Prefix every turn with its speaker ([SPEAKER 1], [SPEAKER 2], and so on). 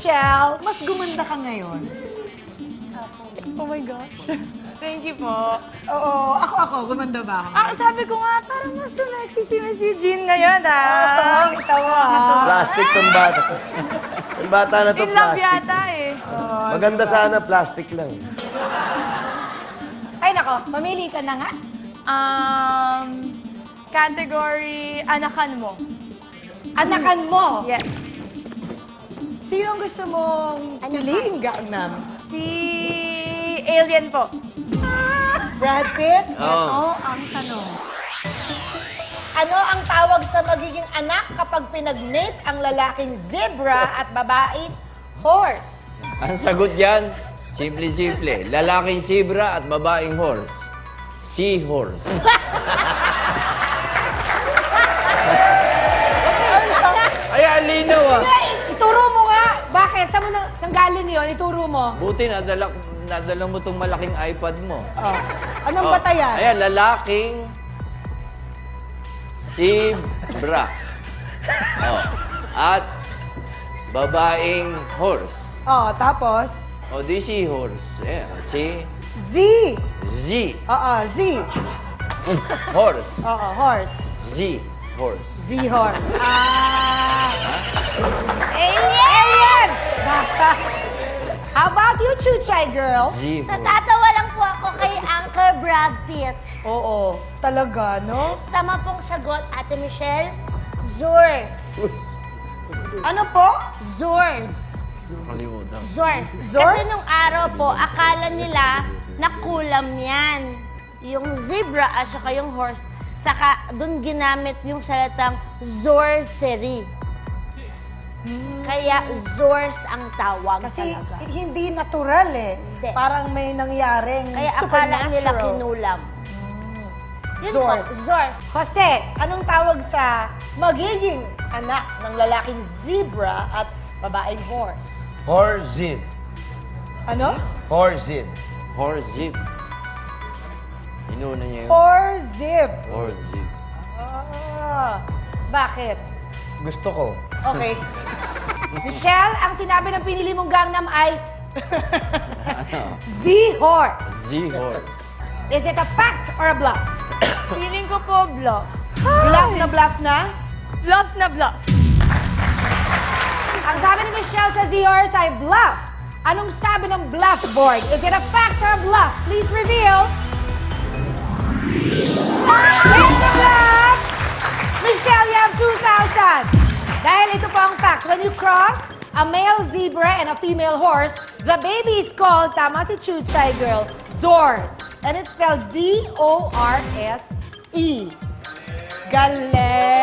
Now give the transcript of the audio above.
[SPEAKER 1] Michelle, mas gumanda ka ngayon.
[SPEAKER 2] Oh my gosh. Thank you po.
[SPEAKER 1] Oo, ako, gumanda ba ako?
[SPEAKER 2] Sabi ko nga, parang mas sexy si Miss Eugene ngayon, ah.
[SPEAKER 1] Kita mo, ah.
[SPEAKER 3] Plastic tong bata. Yung bata na to,
[SPEAKER 2] In love
[SPEAKER 3] plastic.
[SPEAKER 2] yata eh.
[SPEAKER 3] Maganda sana, plastic lang.
[SPEAKER 1] Ay, nako, mamili ka na nga.
[SPEAKER 2] Category, anakan mo.
[SPEAKER 1] Anakan mo.
[SPEAKER 2] Yes.
[SPEAKER 1] Sino gusto mong piliin, Gangnam?
[SPEAKER 2] Si Alien po.
[SPEAKER 1] Brad Pitt?
[SPEAKER 3] Oo.
[SPEAKER 1] Ito ang tanong. Ano ang tawag sa magiging anak kapag pinag-mate ang lalaking zebra at babaeng horse?
[SPEAKER 4] Ang sagot dyan, simple-simple. Lalaking zebra at babaeng horse. Seahorse. Ay, alinaw ah.
[SPEAKER 1] Ay, ituro mo nga. Bakit? Saan galing yun? Ituro mo.
[SPEAKER 4] Buti nadala mo tong malaking iPad mo.
[SPEAKER 1] Oh. Anong batayan?
[SPEAKER 4] Ayan, lalaking zebra. Oh. At babaeng horse.
[SPEAKER 1] Oh, tapos?
[SPEAKER 4] O, di seahorse. Ayan, si
[SPEAKER 1] Z.
[SPEAKER 4] Z.
[SPEAKER 1] Oo, Z.
[SPEAKER 4] Horse.
[SPEAKER 1] Oo, horse.
[SPEAKER 4] Z. Horse.
[SPEAKER 1] Z horse. Alien! Baka. How about you, Chuchay girl?
[SPEAKER 4] Z. Horse.
[SPEAKER 5] Natatawa lang po ako kay Uncle Brad Pitt.
[SPEAKER 1] Oo. Talaga, no?
[SPEAKER 5] Tama pong sagot, Ate Michelle. Zors.
[SPEAKER 1] Ano po?
[SPEAKER 5] Zors.
[SPEAKER 4] Kalimutan.
[SPEAKER 5] Zors.
[SPEAKER 1] Zors?
[SPEAKER 5] Kasi nung araw po, akala nila na kulam yan. Yung zebra at saka yung horse. Saka doon ginamit yung salitang sorcery. Kaya Zors ang tawag
[SPEAKER 1] Kasi
[SPEAKER 5] talaga.
[SPEAKER 1] hindi natural eh.
[SPEAKER 5] Hindi.
[SPEAKER 1] Parang may nangyaring
[SPEAKER 5] Kaya akala nila
[SPEAKER 1] supernatural.
[SPEAKER 5] kinulam. Yun
[SPEAKER 1] Zors.
[SPEAKER 5] po, Zors.
[SPEAKER 1] Jose, anong tawag sa magiging anak ng lalaking zebra at babaeng horse?
[SPEAKER 3] Horzib.
[SPEAKER 1] Ano?
[SPEAKER 3] Horzib.
[SPEAKER 4] Horse zip. Inuna niya yun.
[SPEAKER 1] Horzib.
[SPEAKER 4] Horse zip.
[SPEAKER 1] Ah, bakit?
[SPEAKER 3] Gusto ko.
[SPEAKER 1] Okay. Michelle, ang sinabi ng pinili mong Gangnam ay Z-horse.
[SPEAKER 4] Z-horse.
[SPEAKER 1] Is it a fact or a bluff?
[SPEAKER 2] Feeling ko po bluff.
[SPEAKER 1] Bluff na bluff na?
[SPEAKER 2] Bluff na bluff.
[SPEAKER 1] Ang sabi ni Michelle sa Z-horse ay bluff. Anong sabi ng bluff board? Is it a fact or a bluff? Please reveal. It's a bluff! Michelle, you have 2,000. Dahil ito po ang fact. When you cross a male zebra and a female horse, the baby is called, tama si Chuchay girl, Zors. And it's spelled Z-O-R-S-E. Galing!